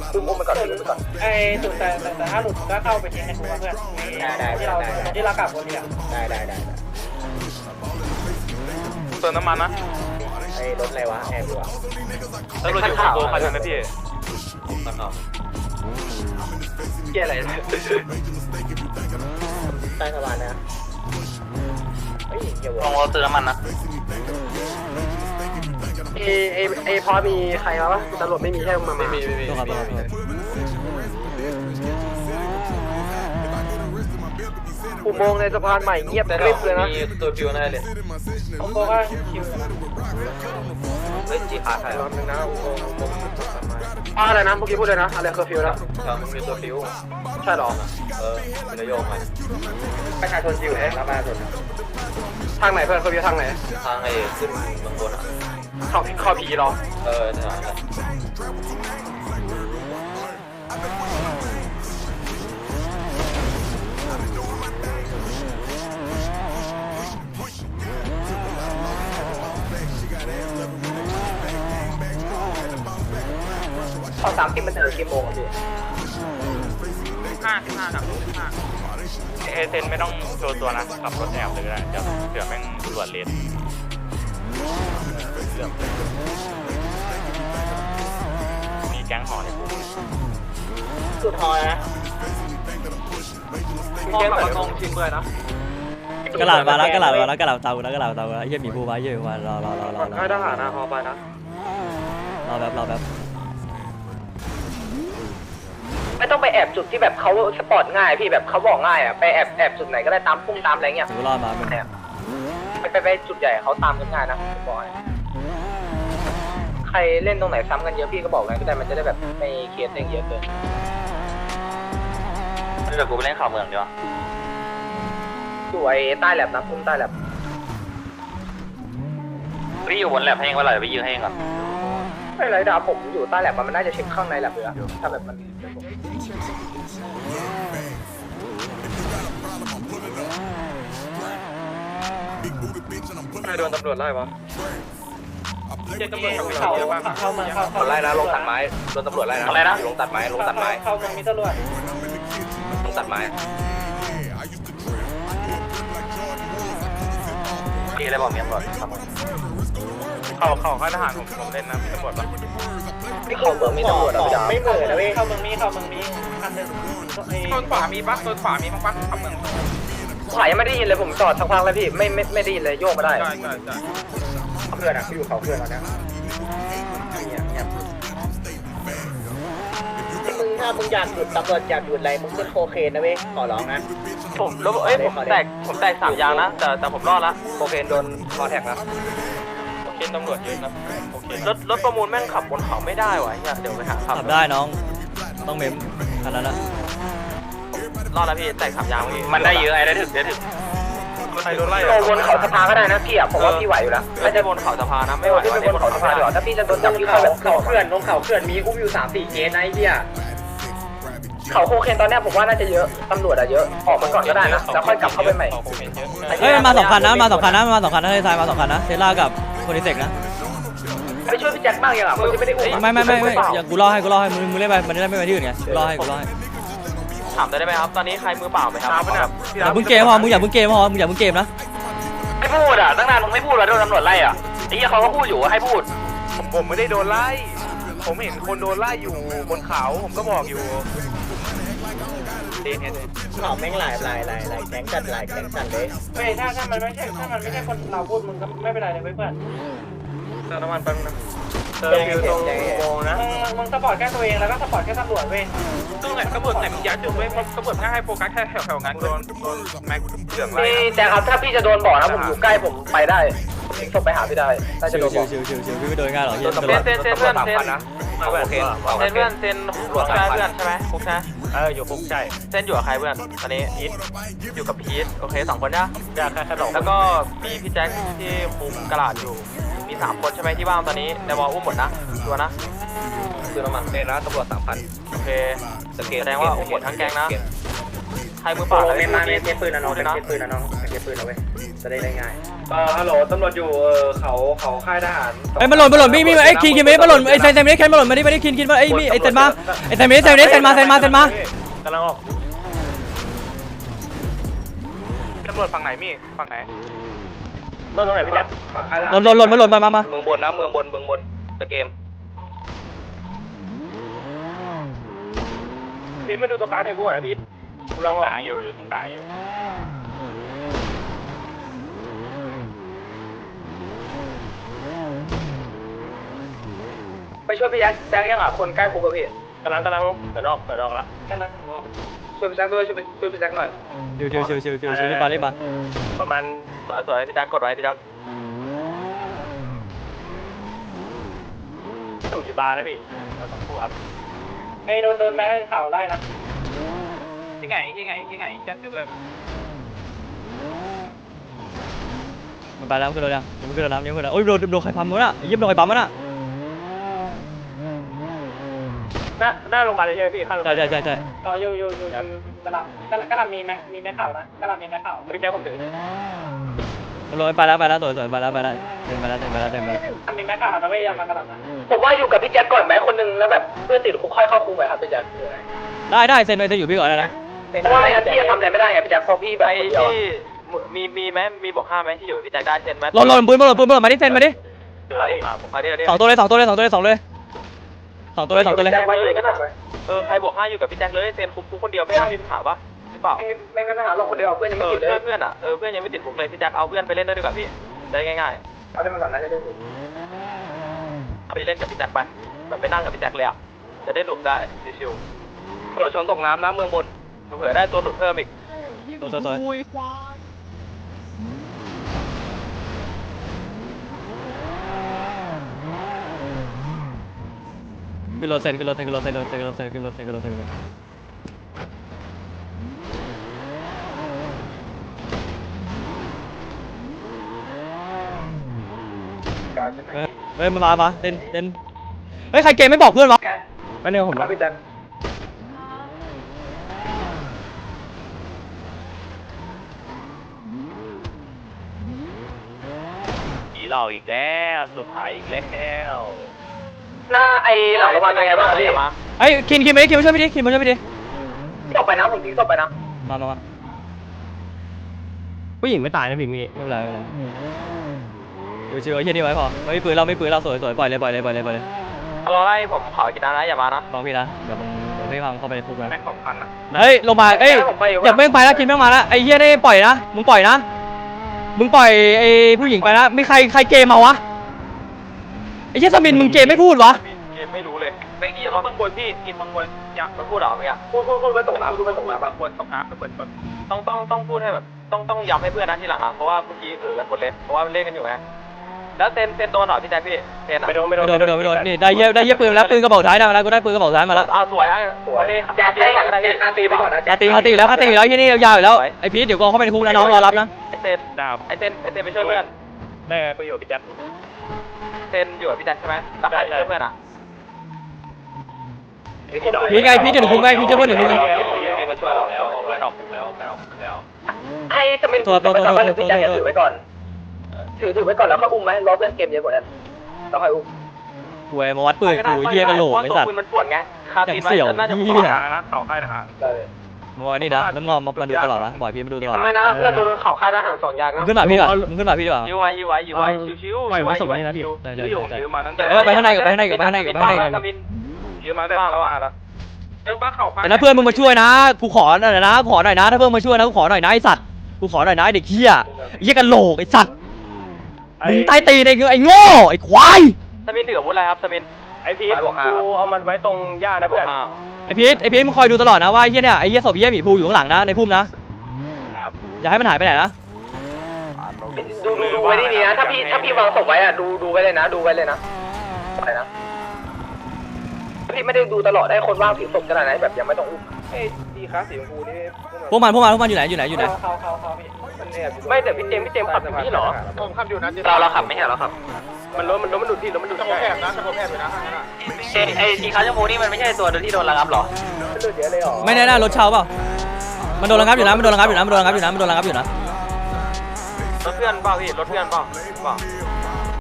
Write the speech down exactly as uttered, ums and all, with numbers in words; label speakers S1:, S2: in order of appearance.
S1: อุ้มอุ้มไปก่อนอุ้มไปก่อน
S2: ไอ้สุดแต่แต่ถ้าหลุดก็เข้าไปทิ้งในคุกเพื่อนที่เราที่เรากลับวนเนี่ย
S1: ได้ได้ได้
S3: เติมน้ำมันนะ
S1: ไอ้รถอะไรวะแอร์บัว
S3: แล้วรถอยู่โบคันนั้นนะพี่
S1: เกี่ยอะไรใต้สะพานนะเฮ้ยเกี่ยวลองเราเติมน้ำมันนะเอเอเอพอมีใครมาวะตำรวจไม่มีใช่ไหมไม่มีไม่มีต้องครับต้องครับอุโมงค์ในสะพานใหม่เงียบกริบเลยนะมีตัวฟิวแน่เลย
S2: ผมบอกว่าคิว
S1: เฮ้ยจีขาดรอบนึงนะอุโมงค์อุโมงค์อะไรนะเมื่อกี้พูดเลยนะอะไรเคอร์ฟิวนะมันมีตัวฟิวใช่หรอเออเป็นนโยบายประชาชนฟิวเอ๊ะรับประชาชนทางไหนเพื่อนเคอร์ฟิวทางไหนทางไอ้ขึ้นบางบนอ่ะเข้าเข้าผีหรอเออใช่ตอนสามที่มันเจอกี่โมงพี่
S3: ห้าสิบห้าสามสิบห้าเอเซนไม่ต้องโชว์ตัวนะขับรถแอบเลยก็ได้เดี๋ยวเดี๋ยวแม่งตรวจเลนมีแก๊งหอในปุ๊บ
S1: สุดหอยนะ
S3: มีแก๊งแบบตรงชิมเลยนะ
S4: กระหล่ำมาแล้วกระหล่ำมาแล้วกระหล่ำเตาแล้วกระหล่ำเตาแล้วเยี่ยมหมีภูมาเยี่ยมมารอรอรอรอรอ
S1: ให้ทหารนะฮอไปนะ
S4: รอแบบรอแบบ
S1: ไม่ต้องไปแอบจุดที่แบบเขาสปอร์ตง่ายพี่แบบเขาบอกง่ายอ่ะไปแอบแอบจุดไหนก็ได้ตามพุ่งตามอะไรเงี้ย
S4: ถือรอดมาเป็น
S1: ไปไปไปจุดใหญ่เขาตามกันง่ายนะบอกใครเล่นตรงไหนซ้ำกันเยอะพี่ก็บอกกันก็ได้มันจะได้แบบไม่เคสเองเยอะเกินเดี๋ยวกูไปเล่นข่าวเมืองดีกว่าอยู่ไอ้ใต้แลบนะพุ่งใต้แลบพี่อยู่บนแลบให้เองว่าอะไรไปยืนให้เองก่อนไม่ไรดาผมอยู่ใต้แลบมันน่าจะเช็คข้างในแลบเลยอะถ้าแบบมันไม่โดนตำรวจไล่วะ
S2: เจ็ดตำรวจเขาเข้ามาเข้า
S1: เขาไล่นะลงตัดไม้โดนตำรวจไล่นะอะไรนะลงตัดไม้ลงตัดไม้
S2: เข้ามามีตำรวจ
S1: ลงตัดไม้พี่อะไรบอกเมียตำรวจ
S3: เขาเขาข้าทหารผมผมเล่นนะมีตำรวจปะ
S1: ไม่เข้าเมืองมีตำรวจไม่เหมือนนะเว้ย
S2: เข้าเมืองมีเข้าเมืองมีคันหนึ่ง
S3: โซนขวามีปะโซนขวามีมั้งปะขับเมือง
S1: ขวายังไม่ได้ยินเลยผมจอดสักพักแล้วพี่ไม่ไม่ไม่ได้ยินเลยโยกมาได้
S3: ใช่ใช่ใช่
S1: เพื่อนอะพี่อยู่เขาเพื่อนตอนนี้มึงถ้ามึงอยากหยุดตำรวจอยากหยุดอะไรมึงขึ้นโคเคนนะเว้ยขอร้องนะผมแล้วเอ้ยผมแตกผมแตกสามยางนะแต่แต่ผมรอดละโคเคนโดนคอแท็กนะ
S3: โอเคตำรวจเยอะนะโอเค
S1: รถรถประมูลแม่งขับบนเขาไม่ได้วะเดี๋ยวไปหาขับ
S4: ขับได้น้องต้องเมมขนาดนั้นละ
S1: รอดแล้วพี่แตกสามยางเมื่อกี้
S3: มันได้เยอะไอ้ได้ถึงได้ถึงใครโดนไล่
S1: บนเขาสะพานก็ได้นะพี่อ่ะผมว่าพี่ไหวอยู่แล้วไม่ใช่บนเขาสะพานนะไม่ไหวที่บนเขาสะพานหรอถ้าพี่จะโดนจับที่เขาแบบเขาเขื่อนลงเขาเขื่อนมีอุ้มอยู่สามสี่เคสนะไอ้เหี้ยเขาโคเคนตอนนี้ผมว่าน่าจะเยอะตำรวจอะเยอะออกมาก่อนก็ได้นะแล้วค่อยกลับเข้าไปใหม่
S4: เฮ้ยมันมาสองคันนะมาสองคันนะมาสองคันนะเฮ้ยทายมาสองคันนะเทสลากับโคนิเซกนะ
S1: ไปช่วยพี่แจ็คบ้างยังอ่ะมึงจะไม่ได้อุ้ม
S4: ไม่ไม่ไม่ไม่อย่างกูรอให้กูรอให้มึงมึงเล่นไปมันได้ไม่ไปที่อื่นไงรอให้กูรอให้
S1: ถามได้ไหมครับตอนนี้ใครมือเปล่าไหมครับ
S4: อย่ามึงเกมพอมึงอย่ามึงเกมพอมึงอย่ามึงเกมนะ
S1: ไม่พูดอ่ะตั้งนานมึงไม่พูดแล้วโดนตำรวจไล่อ่ะไอ้เหี้ยเขาก็พูดอยู่ว่าให้พูด
S3: ผมผมไม่ได้โดนไล่ผมเห็นคนโดนไล่อยู่บนเขาผมก็บอกอยู่
S1: เขาแม่งหลายหลายหลายหลายแก๊งจัดหลายแก๊งจัดเลย
S2: เฮ้ยถ้าถ้ามันไม่ใช่ถ้ามันไม่ใช่คนเราพูดมึงก็ไม่เป็นไรเลยเพื่อน
S3: เติมน้ำมันแป๊บนึง
S1: เติมอยู่ตรงโมนะ
S2: มึงสปอร์ตแค่ตัวเองแล้วก็สปอร์ตแค่ตำรวจเว้ย
S3: ตรงไหนตำรวจไหนมึงยัดจุดเว้ยตำรวจแค่ให้โฟกัสแค่แถวๆงั้นโดนโดนแม็กเหลืองไล่
S1: แต่ครับถ้าพี่จะโดนบอกนะผมอยู่ใกล้ผมไปได้ผมส่งไปหาพี่ได้ถ้าจะโดนบอก
S4: ชิวชิวชิวพี่ไม่โดนง่ายหรอกเ
S1: ซนเซนเซนเพื่อนเซนโอเคเซนเพื่อนเซนฟุกใช่เพื่อนใช่ไหมฟุกใช่
S3: เอออยู่ฟุกใช่
S1: เซนอยู่กับใครเพื่อนตอนนี้อีทอยู่กับพีทโอเคสองคนนะ
S3: อยากแค่แค่สอง
S1: แล้วก็มีพี่แจ็คที่คุมกระดาษอยู่มีสามคนใช่ไหมที่ว่างตอนนี้ในวอลอุ้มหมดนะตัวนะคือน้ำมันเซนนะตำรวจสามพันโอเคแสดงว่าอุ้มหมดทั้งแก๊งนะใครมือเปล่าเลยเล่นมาเล่นปืนนะน้องเล่นปืนนะน้องเล่นปืนนะเว้ยจะได้ง่ายเออฮัลโหลตำรวจอยู่เออเขาเขาค่ายทหาร
S4: ไอ้มาหล่นมาหล่นมีมีไอ้คินคินไม่มาหล่นไอ้เซนเซนไม่ได้แคนมาหล่นมาดิมาดิคินคินมาไอ้มีไอ้เซนมาไอ้เซนไม่ได้เซนไม่ได้เซนมาเซนมาเซนมาก
S3: ำลังออกตำรวจฝั่งไหนมี่ฝั่งไหน
S1: ต้นตรงไหนพี่แจ๊ค
S4: หล่นหล่นหล่นมาหล่นมามามา
S1: เมืองบนนะเมืองบนเมืองบนตะเกมพีทมาดูตัวกลางให้กูหน่อยพีทลองออก
S3: ตายอยู่ตายอยู่
S1: ไปช่วยพี่แจ๊คแจ๊คยังอ่ะคนใกล้คุกกับพี่
S3: กำลังกำลังเปิดออกเปิดออกละ
S1: แค่นั้นช่วยพี่แจ๊คด้วยช่วยช่วยพี่แจ๊คหน่อย
S4: ชิวชิวชิวชิวชิวชิวรีบมารีบมา
S3: ประมาณสวยๆพี่แจ๊คกดไว้พี่แจ๊คถูกจีบาร์นะพี่เราต้องพูดครับ
S2: ไอ้โดนโดนแม่ให้ข่าวไล่นะ
S3: ยังไงยังไงยังไงแจ๊คคือแบบ
S4: มันไปแล้วขึ้นรถยังยังไม่ขึ้นรถน้ำยังไม่ขึ้นรถโอ้ยโดนโดนใครปั๊มมั้งน่ะยิบโดนใครปั๊มมั้งน่ะ
S3: หน้าหน้าโรงพยาบาลเลยใช่ไหมพี่ข้างโรงพ
S4: ใช่
S3: ยาบาล
S4: ใช่ใช่ใช่
S2: ก็อยู่อยู่อยู่อยู่กระลับกระลับกระลับมีไหมมีแม่ข่าวนะกระลับมีแม่ข่าว
S3: พี่แจ๊คผมถือ
S4: รถไปแล้วไปแล้วสวยสวยไปแล้วไปแล้วเดินไปแล้วเดินไปแล้วเดินไปแล้ว
S2: มีแม่ข่าวนะไม่ยอมมากระลับนะ
S1: ผมว่าอยู่กับพี่แจ๊คก่อนไหมคนนึงแล้วแบบเพื่อนติดคุกค่อยเข้าคุกไหมครับพี่แจ๊ค
S4: ได้ได้เซ็นไปเซ็นอยู่พี่ก่อนนะ
S1: เพราะว่าไม่งั้นพี่จะทำอะไรไม่ได้ไงพี่แจ๊คพอพี่ไป
S3: ไอ้ที่มีมีไหมมีบอกห้าไหมที่อยู่พี่แจ๊คได้เซ็นไหม
S4: หล่นหล่นปืนหล่นปืนหล่นมาดิเซ็นมาดิ
S3: ผมพาที่เรา
S4: สองตัวเลยสองตัวเลยสองตัวเลยสองเลยสองตัวเลยสองตัวเลย
S1: แจ๊คไว้เลยก็ได้
S3: เออใครบอกห้าอยู่กับพี่แจ๊คเลยเซ็นคุกคุกคนเดียวไม่มีปัญหาปะหรือเปล่า
S1: ไม่งั้นหาเราคนเดียวเพื่อนยัง
S3: เอ
S1: ไม่
S3: อ
S1: ติดเลย
S3: เพื่อนอ่ะเออเพื่อนยังไม่ติดคุกเลยพี่แจ๊คเอาเพื่อนไปเล่นด้วยดีกว่าพี่ได้ง่าย
S1: เอาได้มาก่อนนะจะได้
S3: ๆเอาไปเล่นกับพี่แจ๊คไปแบบไปนั่งกับพี่แจ๊คเลยอ่ะจะได้หลุดได้ชิว
S1: ตำรวจชนตกน้ำนะเมืองบน
S3: ๆเผื่อได้ตัวหลุดเพิ่มอีก
S4: ตัวตัวตัวขึ้นรถเซ็นขึ้นรถเซ็นขึ้นรถเซ็นขึ้นรถเซ็นขึ้นรถเซ็นขึ้นรถเซ็นขึ้นรถเซ็นเฮ้ยมามามาเต้นเต้นเฮ้ยใครเกมไม่บอกเพื่อนวะไปเนี่ยผม
S1: ครับพี่แจ๊ค
S3: ผีเราอีกแล้วสุดท้ายอีกแล้ว
S1: หน้าไอ้หลังโรงพยาบาลเป็นไงบ้างพี่
S4: ไอ้คินคินมาดิคินมาช่วยพี่ดิคินมาช่วยพี่ดิ
S1: ตกไปนะผมทิ้งตกไปนะ
S4: มามามา
S3: ผู้หญิงไม่ตายนะพี่มี
S4: ไม่เป็นไรไม่เป็นไรชิวชิวไอ้เหี้ยนี่ไว้พอไม่ปืนเราไม่ปืนเราสวยสวยปล่อยเลยปล่อยเลยปล่อยเลยปล่อยเลย
S3: รอไล่ผมขอกินน้ำนะอย่ามานะ
S4: ลองพี่นะเดี๋ยวมึงเดี๋ยวพี่พังเข้าไปในคุกนะ
S3: แม่งของพันอ่ะ
S4: เฮ้ยลงมาเอ้ยอย่าแม่งไปแล้วคินแม่งมาแล้วไอ้เหี้ยนี่ปล่อยนะมึงปล่อยนะมึงปล่อยไอ้ผู้หญิงไปนะไม่ใครใครเกมมาวะไอ้เหี้ยสมินมึงเกมไม่พูดวะ
S3: เกมไม่รู้เลยไม่กี่เขาต้องบนพี่กินบางคนอยากมาพูดหรอเมื่อกี้
S1: พูดพูดพูดไปตกน้ำพูดไปตกน้ำ
S3: บางคนต้องหาเปิดต้องต้องต้องพูดให้แบบต้องต้องย้ำให้เพื่อนนะที่หลังอ่ะเพราะว่าเมื่อกี้เออกันคนเล่นเพราะว่ามันเล่นกันอยู่ไงแล้วเซนเซนโดนหน่อยพี่แจ๊คพี่เซนอ่ะ
S1: ไม่โดนไม่โด
S4: ไม่
S1: น
S4: โดนไม่โดนไม่โดนนี่ได้เหี้ยได้เหี้ยปืนแล้วปืนกระบอกท้ายได้มาแล้วกูได้ปืนกระบอกท้ายมาแล้ว
S3: เอาสวยอ่ะสวย
S1: แจ๊คได้กันได้กันตีไปก่อนนะ
S4: คาตีคาตีแล้วคาตีแล้วที่นี่ยาวอยู่แล้วไอ้พีทเดี๋ยวกองเข้าไปในคุกนะน้องรอรับนะ
S3: ไอเซนดาวไอเซนไอเซนไปช่วยเพื่อนได้ไปอยู่พี่แจ๊คเซนอยู่กับพี่แจ๊คใช่ไหมรักใครช่วยเพื่อนอ่ะ
S4: พีทไงพีทเดี๋ยวคุกไงพีทจะเพื่อนเดี๋ยวคุกไง
S3: มาช่วยเราแล้วแล้วแล้วแล้วแล้ว
S1: ให้จะเป็นพี่แจ๊คถือไว้ก่อนถือถือไว้ก่อนแล้วก็อุ้มไหมรอเพื่อนเกมเยอะกว่านั้นแล้วค่อยอุ้ม
S4: หวยมาวัดปืนกูเหี้ยกระโหลกไอ้สัตว์
S3: ปืนมันปวดไงคาตีนน่าจะปวดนะเข่าค่ายทหาร
S4: มาวันนี้นะแล้วงอมมาดูตลอดนะบ่อยพี่มาดูตลอด
S1: ทำไมนะเพื่อนโดนเข่าค่ายทหารสองยาง
S4: มึ
S1: นะ
S4: งขึ้นมาพี่ก่อนมึงขึ้นมาพี่ดีกว่า
S3: ยื้อไว้ยื้อไว้ยื้อไว้ชิวๆไม่ไว้สมัยนะพี่ยื้อยื้อมาตั้งแต่
S4: เออไปข้างในกับไปข้างในกับไปข้างในกับไปข้างในกับ
S3: ยื้อมาได้บ้างแล้วอ่ะแล้วเออบ้าเข่าค่าย
S4: แต่ถ้าเพื่อนมึงมาช่วยนะกูขอหน่อยนะขอหน่อยนะถ้าเพื่อนมาช่วยนะกูขอหน่อยนะไอ้สัตว์กูขอหน่อยนะเด็กเหี้ยเหี้ยกระโหลกไอ้สัตว์มึงใต้ตีนไอ้ไอ้โง่ไอ้ควาย
S3: สมินเหลือวุฒิอะไรครับสมินไอพีทกูเอามันไว้ตรงหญ้านะเพื่อน
S4: ไอ้พีทไอ้พีทมึงคอยดูตลอดนะว่าไอ้เหี้ยเนี่ยไอ้เหี้ยศพเหี้ยหมีภูอยู่ข้างหลังนะในพุ่มนะอย่าให้มันหายไปไหนนะ
S1: ดูดูดูไว้ดีๆนะถ้าพี่ถ้าพี่วางศพไว้อะดูดูไว้เลยนะดูไว้เลยนะอะไรนะพี่ไม่ได้ดูตลอดได้คนว่างถือศพขนาดไหนแบบยังไม่ต้องอุ้มเฮ้ยดีครับสีชมพูนี่
S4: พวกมันพวกมันพวกมันอยู่ไหนอยู่ไหนอยู่ไหน
S2: เขาเขาเขาพี่
S1: ไม่แต่พี่เจมพี่เจมขับอยู่นี่หรอผมขับอยู่นะเราเราขับไม่ใช่เราขับมันรถมันรถมันดูดที่รถมันดูดที่แอบนะจะผมแอบอยู่นะไอไอสีขาวชมพูนี่มันไม่ใช่ตัวที่โดนระงับหรอมันดูดเยอะเลยหรอ
S4: ไม่แน่ๆรถเช่าเปล่ามันโดนระงับอยู่นะมันโดนระงับอยู่นะมันโดนระงับอยู่นะมันโดนระงับอยู่นะ
S3: รถเพื่อนพื่อนเปล่าพี่รถเพื่อนเปล่าเปล่า